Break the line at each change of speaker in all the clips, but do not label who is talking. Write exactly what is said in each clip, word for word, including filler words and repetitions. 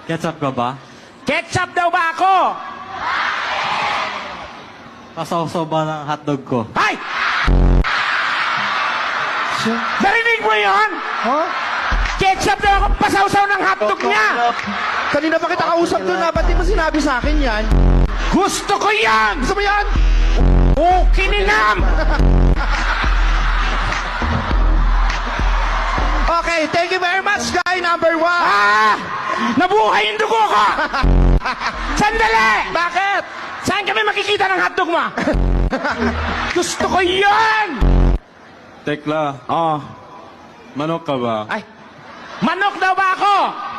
Ketchup ka ba?
Ketchup daw ba ako?
Pasawsaw ba ng hotdog ko?
Ay! Narinig mo yun?
Huh?
Ketchup daw ako pasawsaw ng hotdog niya!
Kanina pa kita kausap doon ha, ba't di mo sinabi sa akin yan?
Gusto ko yan!
Gusto mo yan?
Oh, kininam!
Okay, thank you very much, guy number one.
Ah! Nabuhay yung dugo ko! Sandali!
Bakit?
Saan kami makikita ng hotdog mo? Gusto ko yan!
Tekla,
Oh.
manok ka ba?
Ay, manok daw ba ako?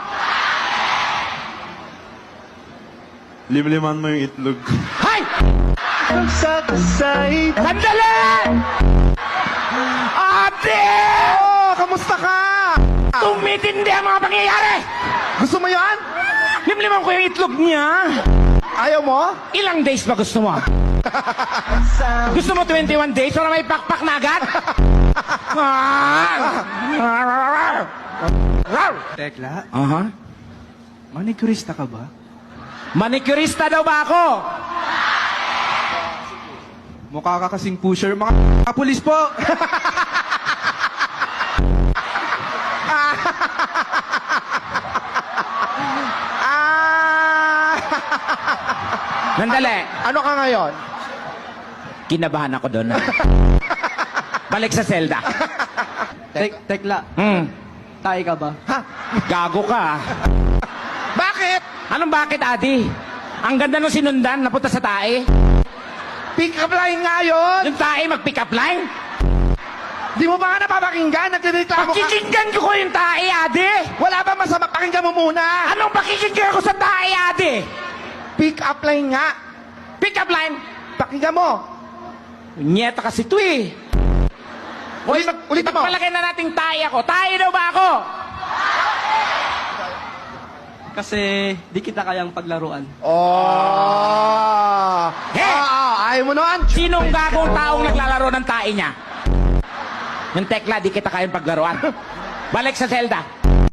Limliman mo yung itlog.
Hay!
Nagsakasay.
Sandali! Ate!
Oh, kamusta ka?
Tumitindi ang mga pangyayari!
Gusto mo yan?
Limliman ko yung itlog niya.
Ayaw mo?
Ilang days ba gusto mo? Gusto mo twenty-one days para may pakpak na agad?
Tekla,
Aha.
manicurista ka ba?
Manicurista daw ba ako?
Mukha ka kasing pusher. Mga kapulis po!
Ah!
Nandali.
Ano ka ngayon?
Kinabahan ako doon. Balik sa selda.
Tek tekla,
Hmm.
tayo ka ba?
Ha?
Gago ka.
Bakit?
Anong bakit, Adi? Ang ganda nung sinundan, napunta sa tae.
Pick up line nga yun.
Yung tae mag-pick up line.
Di mo ba nga napapakinggan? Nagreklamo ka.
Pakikinggan ko ko yung tae, Adi.
Wala ba masama? Pakinggan mo muna.
Anong pakikinggan ko sa tae, Adi?
Pick up line nga.
Pick up line.
Pakinggan mo.
Nyeta kasi ito eh.
Ulit, ulit mo.
Pagpalagay na nating tae ako. Tae daw ba ako?
Kasi di kita kayang paglaruan.
Oh.
Hey!
Ah, ayaw mo nun?
Sinong gagong taong naglalaro ng tae niya? Yung tekla, di kita kayang paglaruan. Balik sa selda.